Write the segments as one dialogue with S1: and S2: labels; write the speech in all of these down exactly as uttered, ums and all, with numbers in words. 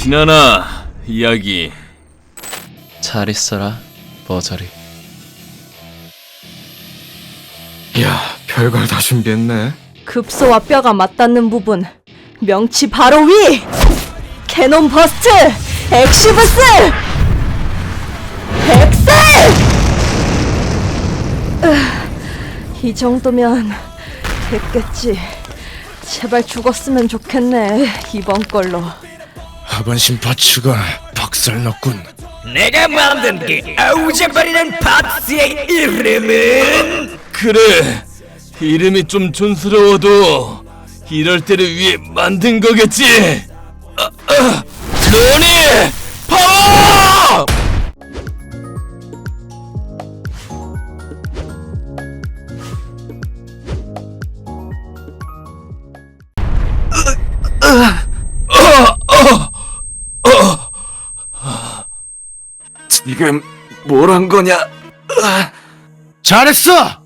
S1: 지나나 이야기.
S2: 잘 있어라, 버저리.
S3: 야, 별걸 다 준비했네.
S4: 급소와 뼈가 맞닿는 부분, 명치 바로 위! 캐논 버스트! 엑시브스! 엑셀! 으, 이 정도면 됐겠지. 제발 죽었으면 좋겠네, 이번 걸로.
S3: 하반신 파츠가 박살났군.
S5: 내가 만든 게 아우제발이란 파츠의 이름은
S1: 그래, 이름이 좀 촌스러워도 이럴 때를 위해 만든 거겠지. 아, 아, 노니 파워!
S3: 지금 뭘 한 거냐? 아,
S1: 잘했어!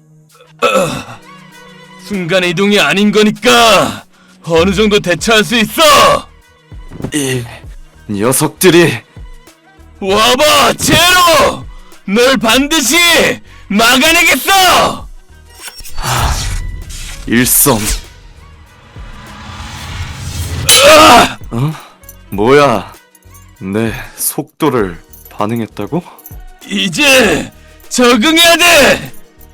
S1: 순간 이동이 아닌 거니까 어느 정도 대처할 수 있어!
S3: 이 녀석들이
S1: 와봐, 제로! 널 반드시 막아내겠어!
S3: 일섬. 어? 뭐야? 내 속도를 반응했다고?
S1: 이제 적응해야 돼!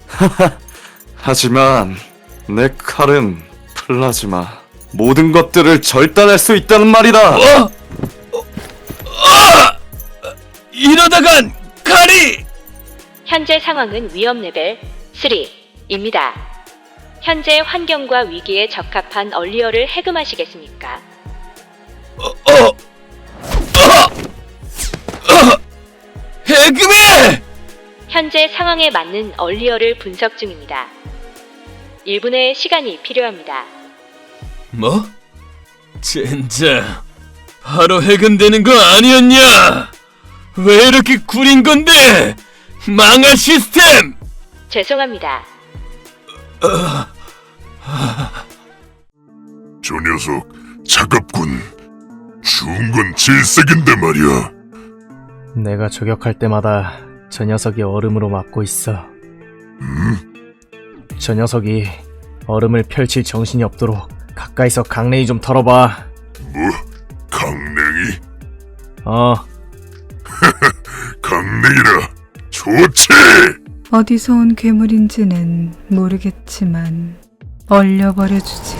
S3: 하지만 내 칼은 플라즈마. 모든 것들을 절단할 수 있다는 말이다.
S1: 어? 어? 아! 이러다간 칼이!
S6: 현재 상황은 위험 레벨 삼입니다. 현재 환경과 위기에 적합한 얼리어를 해금하시겠습니까?
S1: 어? 어? 어? 어? 해금해!
S6: 현재 상황에 맞는 얼리어를 분석 중입니다. 일 분의 시간이 필요합니다.
S1: 뭐? 젠장, 바로 해금되는 거 아니었냐? 왜 이렇게 구린 건데? 망할 시스템!
S6: 죄송합니다.
S7: 저 녀석 차갑군. 추운 건 질색인데 말이야.
S2: 내가 저격할 때마다 저 녀석이 얼음으로 막고 있어.
S7: 음?
S2: 저 녀석이 얼음을 펼칠 정신이 없도록 가까이서 강냉이 좀 털어봐.
S7: 뭐? 강냉이?
S2: 어,
S7: 강냉이라 좋지!
S8: 어디서 온 괴물인지는 모르겠지만 얼려버려주지.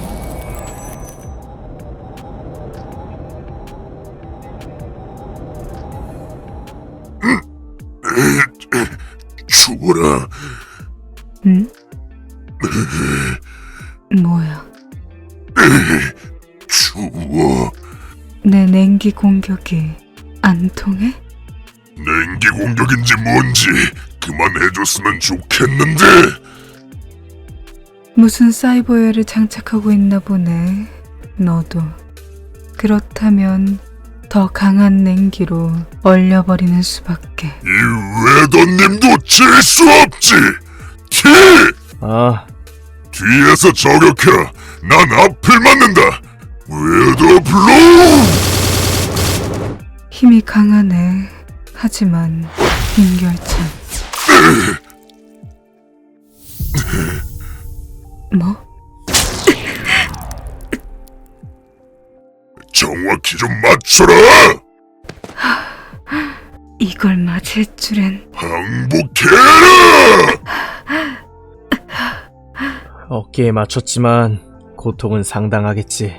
S7: 죽어라.
S8: 응? 뭐야?
S7: 추워.
S8: 내 냉기 공격이 안 통해?
S7: 냉기 공격인지 뭔지 그만해줬으면 좋겠는데.
S8: 무슨 사이버웨어를 장착하고 있나 보네. 너도. 그렇다면 더 강한 냉기로 얼려버리는 수밖에.
S7: 이 외도님도 질 수 없지. 티!
S2: 아,
S7: 뒤에서 저격해라. 난 앞을 맞는다. 외도 블로우!
S8: 힘이 강하네. 하지만 인결참. 뭐?
S7: 정확히 좀 맞춰라.
S8: 이걸 맞을 줄엔.
S7: 항복해라.
S2: 어깨에 맞췄지만 고통은 상당하겠지.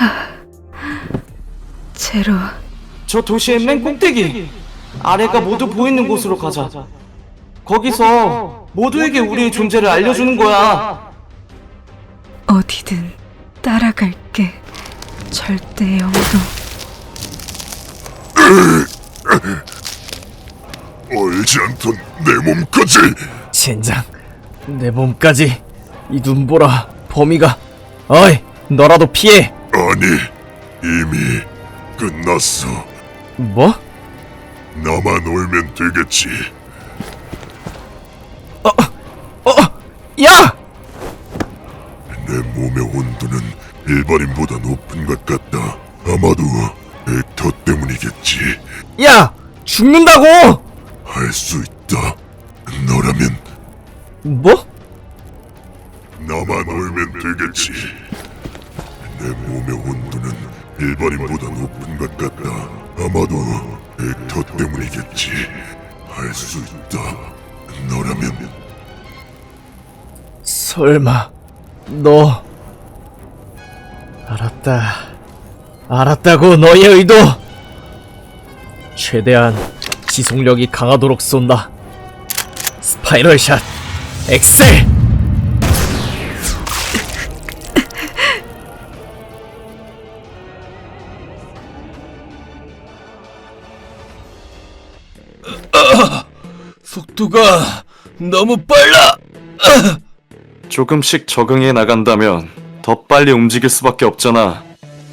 S8: 제로.
S9: 저 도시의 맨 꼭대기! 아래가 모두 보이는 곳으로 가자. 거기서 모두에게 우리의 존재를 알려주는 거야.
S8: 어디든 따라갈게. 절대 영도.
S7: 얼지 않던 내 몸까지.
S2: 젠장, 내 몸까지. 이 눈보라, 범위가. 어이, 너라도 피해.
S7: 아니, 이미 끝났어.
S2: 뭐?
S7: 나만 올면 되겠지.
S2: 어, 어, 야!
S7: 내 몸의 온도는 일반인보다 높은 것 같다. 아마도 벡터 때문이겠지.
S2: 야! 죽는다고!
S7: 할 수 있다. 너라면
S2: 뭐?
S7: 나만 올면 되겠지. 내 몸의 온도는 일반인보다 높은 것 같다. 아마도 벡터 때문이겠지. 할 수 있다. 너라면
S2: 설마 너 알았다 알았다고 너의 의도 최대한 지속력이 강하도록 쏜다 스파이럴 샷 엑셀
S1: 속도가 너무 빨라.
S3: 조금씩 적응해 나간다면 더 빨리 움직일 수밖에 없잖아.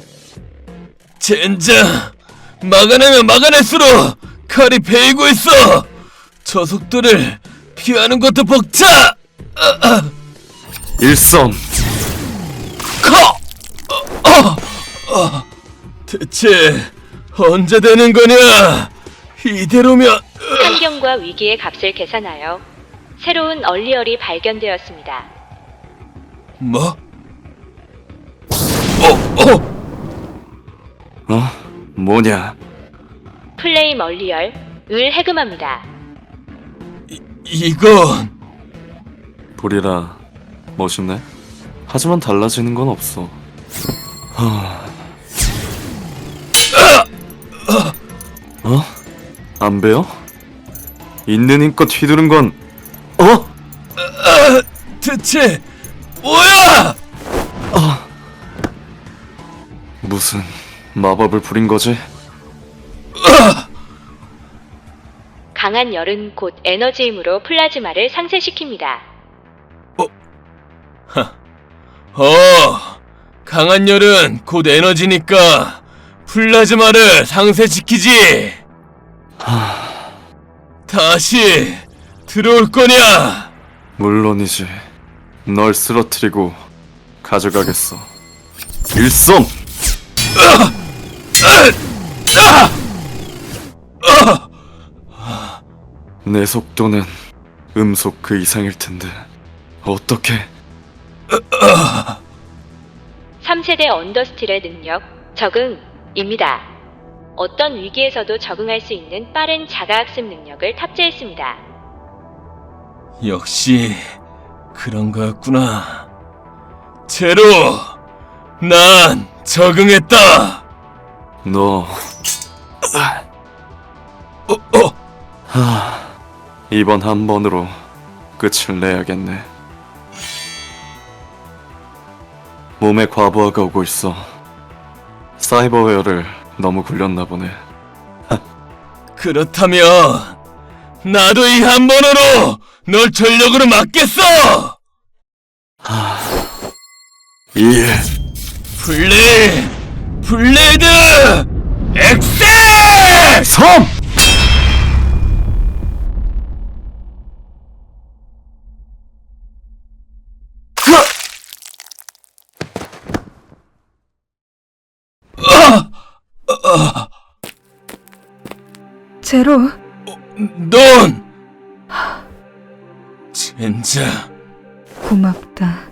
S1: 젠장, 막아내면 막아낼수록 칼이 베이고 있어. 저 속도를 피하는 것도 벅차.
S3: 일섬.
S1: 커. 어, 어, 어. 대체 언제 되는 거냐? 이대로면
S6: 환경과 위기의 값을 계산하여 새로운 얼리얼이 발견되었습니다.
S1: 뭐? 어, 어.
S3: 어? 뭐냐?
S6: 플레임 얼리얼 을 해금합니다.
S1: 이건
S3: 불이라 멋있네. 하지만 달라지는 건 없어. 어? 안 배요? 있는 힘껏 휘두른 건 어?
S1: 대체 뭐야?
S3: 무슨 마법을 부린 거지?
S6: 강한 열은 곧 에너지 힘으로 플라즈마를 상쇄시킵니다.
S1: 어, 강한 열은 곧 에너지니까 플라즈마를 상쇄시키지. 다시 들어올 거냐?
S3: 물론이지. 널 쓰러뜨리고 가져가겠어. 일섬! 내 속도는 음속 그 이상일 텐데 어떻게?
S6: 삼 세대 언더스틸의 능력 적응입니다. 어떤 위기에서도 적응할 수 있는 빠른 자가학습 능력을 탑재했습니다.
S1: 역시 그런 거였구나. 제로, 난 적응했다.
S3: 너
S1: 어, 어.
S3: 하, 이번 한 번으로 끝을 내야겠네. 몸에 과부하가 오고 있어. 사이버웨어를 너무 굴렸나 보네.
S1: 그렇다면 나도 이 한 번으로 널 전력으로 막겠어.
S3: 이
S1: 블레, 블레이드, 엑셀!
S3: 섬!
S8: 제로,
S1: 넌 젠장.
S8: 고맙다.